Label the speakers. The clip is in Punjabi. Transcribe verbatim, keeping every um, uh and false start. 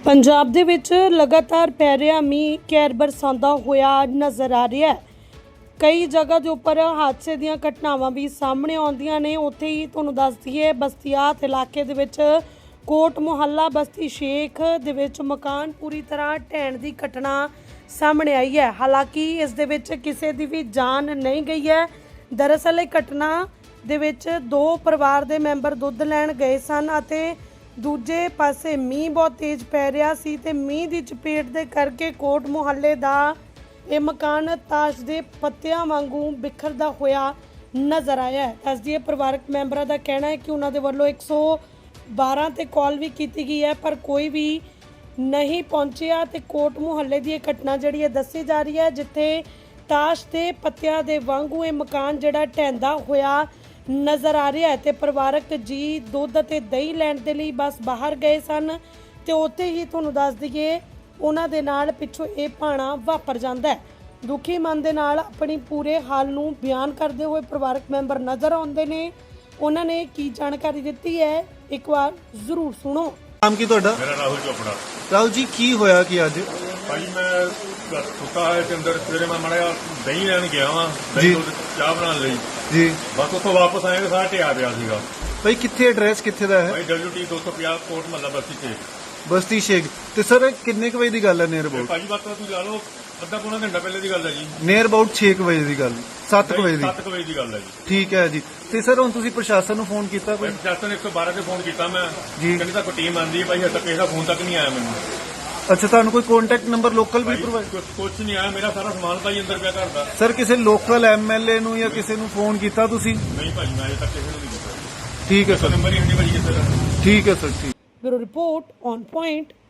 Speaker 1: ਪੰਜਾਬ ਦੇ ਵਿੱਚ ਲਗਾਤਾਰ ਪੈ ਰਿਹਾ ਮੀਂਹ ਕਹਿਰ ਬਰਸਾਉਂਦਾ ਹੋਇਆ ਨਜ਼ਰ ਆ ਰਿਹਾ ਹੈ। ਕਈ ਜਗ੍ਹਾ ਦੇ ਉੱਪਰ ਹਾਦਸੇ ਦੀਆਂ ਘਟਨਾਵਾਂ ਵੀ ਸਾਹਮਣੇ ਆਉਂਦੀਆਂ ਨੇ। ਉੱਥੇ ਹੀ ਤੁਹਾਨੂੰ ਦੱਸ ਦਈਏ ਬਸਤੀਆਤ ਇਲਾਕੇ ਦੇ ਵਿੱਚ ਕੋਟ ਮੁਹੱਲਾ ਬਸਤੀ ਸ਼ੇਖ ਦੇ ਵਿੱਚ ਮਕਾਨ ਪੂਰੀ ਤਰ੍ਹਾਂ ਢਹਿਣ ਦੀ ਘਟਨਾ ਸਾਹਮਣੇ ਆਈ ਹੈ। ਹਾਲਾਂਕਿ ਇਸ ਦੇ ਵਿੱਚ ਕਿਸੇ ਦੀ ਵੀ ਜਾਨ ਨਹੀਂ ਗਈ ਹੈ। ਦਰਅਸਲ ਇਹ ਘਟਨਾ ਦੇ ਵਿੱਚ ਦੋ ਪਰਿਵਾਰ ਦੇ ਮੈਂਬਰ ਦੁੱਧ ਲੈਣ ਗਏ ਸਨ ਅਤੇ ਦੂਜੇ ਪਾਸੇ ਮੀਂਹ ਬਹੁਤ ਤੇਜ਼ ਪੈ ਰਿਹਾ ਸੀ ਤੇ ਮੀਂਹ ਦੀ ਚਪੇਟ ਦੇ ਕਰਕੇ ਕੋਟ ਮੁਹੱਲੇ ਦਾ ਇਹ ਮਕਾਨ ਤਾਸ਼ ਦੇ ਪੱਤਿਆਂ ਵਾਂਗੂ ਬਿਖਰਦਾ ਹੋਇਆ ਨਜ਼ਰ ਆਇਆ ਹੈ। ਦੱਸ ਦਈਏ ਪਰਿਵਾਰਕ ਮੈਂਬਰਾਂ ਦਾ ਕਹਿਣਾ ਹੈ ਕਿ ਉਹਨਾਂ ਦੇ ਵੱਲੋਂ ਇੱਕ ਸੌ ਬਾਰਾਂ ਤੇ ਕਾਲ ਵੀ ਕੀਤੀ ਗਈ ਹੈ ਪਰ ਕੋਈ ਵੀ ਨਹੀਂ ਪਹੁੰਚਿਆ ਤੇ ਕੋਟ ਮੁਹੱਲੇ ਦੀ ਇਹ ਘਟਨਾ ਜਿਹੜੀ ਹੈ ਦੱਸੀ ਜਾ ਰਹੀ ਹੈ ਜਿੱਥੇ ਤਾਸ਼ ਦੇ ਪੱਤਿਆਂ ਦੇ ਵਾਂਗੂ ਇਹ ਮਕਾਨ ਜਿਹੜਾ ਢਹਿੰਦਾ ਹੋਇਆ ਨਜ਼ਰ ਆ ਰਿਹਾ ਹੈ ਤੇ ਪਰਿਵਾਰਕ ਜੀ ਦੁੱਧ ਅਤੇ ਦਹੀਂ ਲੈਣ ਦੇ ਲਈ ਬਸ ਬਾਹਰ ਗਏ ਸਨ ਤੇ ਉੱਥੇ ਹੀ ਤੁਹਾਨੂੰ ਦੱਸ ਦਈਏ ਉਹਨਾਂ ਦੇ ਨਾਲ ਪਿੱਛੋਂ ਇਹ ਭਾਣਾ ਵਾਪਰ ਜਾਂਦਾ ਹੈ। ਦੁਖੀ ਮਨ ਦੇ ਨਾਲ ਆਪਣੀ ਪੂਰੇ ਹਾਲ ਨੂੰ ਬਿਆਨ ਕਰਦੇ ਹੋਏ ਪਰਿਵਾਰਕ ਮੈਂਬਰ ਨਜ਼ਰ ਆਉਂਦੇ ਨੇ। ਉਹਨਾਂ ਨੇ ਕੀ ਜਾਣਕਾਰੀ ਦਿੱਤੀ ਹੈ ਇੱਕ ਵਾਰ ਜ਼ਰੂਰ ਸੁਣੋ।
Speaker 2: ਨਾਮ ਕੀ ਤੁਹਾਡਾ?
Speaker 3: ਮੇਰਾ ਰਾਹੁਲ ਚੋਪੜਾ।
Speaker 2: ਰਾਹੁਲ ਜੀ ਕੀ ਹੋਇਆ ਕਿ ਅੱਜ?
Speaker 3: ਭਾਈ ਮੈਂ ਸੁੱਤਾ ਹੈ ਤੇ ਅੰਦਰ ਸਵੇਰੇ ਮੈਂ ਮਾੜਾ ਦਹੀਂ ਲੈਣ ਗਿਆ ਵਾਂ,
Speaker 2: ਜੀ।
Speaker 3: ਦਹੀਂ ਦੁੱਧ ਚਾਹ ਬਣਾਉਣ ਲਈ।
Speaker 2: ਜੀ
Speaker 3: ਬਸ ਉੱਥੋਂ ਵਾਪਸ ਆਏ ਤੇ ਸਾਰਾ ਢਿਆ ਪਿਆ ਸੀਗਾ।
Speaker 2: ਭਾਈ ਕਿੱਥੇ ਐਡਰੈਸ ਕਿੱਥੇ ਦਾ ਹੈ?
Speaker 3: ਭਾਈ ਡਬਲਯੂ ਟੀ ਦੋ ਸੌ ਪੰਜਾਹ ਕੋਟ ਮਹੱਲਾ ਬਸਤੀ ਤੇ।
Speaker 2: ਬਸਤੀ ਸ਼ੇਖ। ਤੇ ਸਰ ਕਿੰਨੇ ਕੁ ਵਜੇ ਦੀ ਗੱਲ ਹੈ ਨੀਅਰ ਅਬਾਊਟ?
Speaker 3: ਭਾਜੀ ਬਾਤ ਤੁਸੀਂ ਲਾ ਲਓ ਅੱਧਾ ਪੌਣਾ ਘੰਟਾ ਪਹਿਲੇ ਦੀ ਗੱਲ ਹੈ ਜੀ।
Speaker 2: ਨੀਅਰ ਅਬਾਊਟ ਛੇ ਕੁ ਵਜੇ ਦੀ ਗੱਲ, ਸੱਤ ਕੁ ਵਜੇ ਦੀ।
Speaker 3: ਸੱਤ ਕੁ ਵਜੇ ਦੀ ਗੱਲ ਹੈ ਜੀ।
Speaker 2: ਠੀਕ ਹੈ ਜੀ। ਤੇ ਸਰ ਹੁਣ ਤੁਸੀਂ ਪ੍ਰਸ਼ਾਸਨ ਨੂੰ ਫੋਨ ਕੀਤਾ ਕੋਈ?
Speaker 3: ਮੈਂ ਪ੍ਰਸ਼ਾਸਨ ਇੱਕ ਸੌ ਬਾਰਾਂ ਤੇ ਫੋਨ ਕੀਤਾ ਮੈਂ
Speaker 2: ਜੀ।
Speaker 3: ਕਹਿੰਦੇ ਤਾਂ ਟੀਮ ਆਂਦੀ ਹੈ ਭਾਈ, ਹਜੇ ਤੱਕ ਕਿਸੇ ਦਾ ਫੋਨ ਤੱਕ ਨਹੀਂ ਆਇਆ ਮੈਨੂੰ।
Speaker 2: ਅੱਛਾ, ਤੁਹਾਨੂੰ ਕੋਈ ਕੰਟੈਕਟ ਨੰਬਰ ਲੋਕਲ ਵੀ ਪ੍ਰੋਵਾਈਡ?
Speaker 3: ਕੁਝ ਨਹੀਂ ਆਇਆ, ਮੇਰਾ ਸਾਰਾ ਸਮਾਨ ਭਾਈ ਅੰਦਰ ਪਿਆ ਘਰ ਦਾ।
Speaker 2: ਸਰ ਕਿਸੇ ਲੋਕਲ ਐਮਐਲਏ ਨੂੰ ਜਾਂ ਕਿਸੇ ਨੂੰ ਫੋਨ ਕੀਤਾ ਤੁਸੀਂ?
Speaker 3: ਨਹੀਂ ਭਾਈ ਮੈਂ ਅਜੇ ਤੱਕ ਕਿਸੇ ਨੂੰ ਨਹੀਂ ਕੀਤਾ।
Speaker 2: ਠੀਕ ਹੈ ਸਰ।
Speaker 3: ਨੰਬਰ ਹੀ ਨਹੀਂ ਭਾਈ ਕਿਸੇ ਦਾ।
Speaker 2: ਠੀਕ ਹੈ ਸਰ। ਠੀਕ।
Speaker 1: Bureau report on point.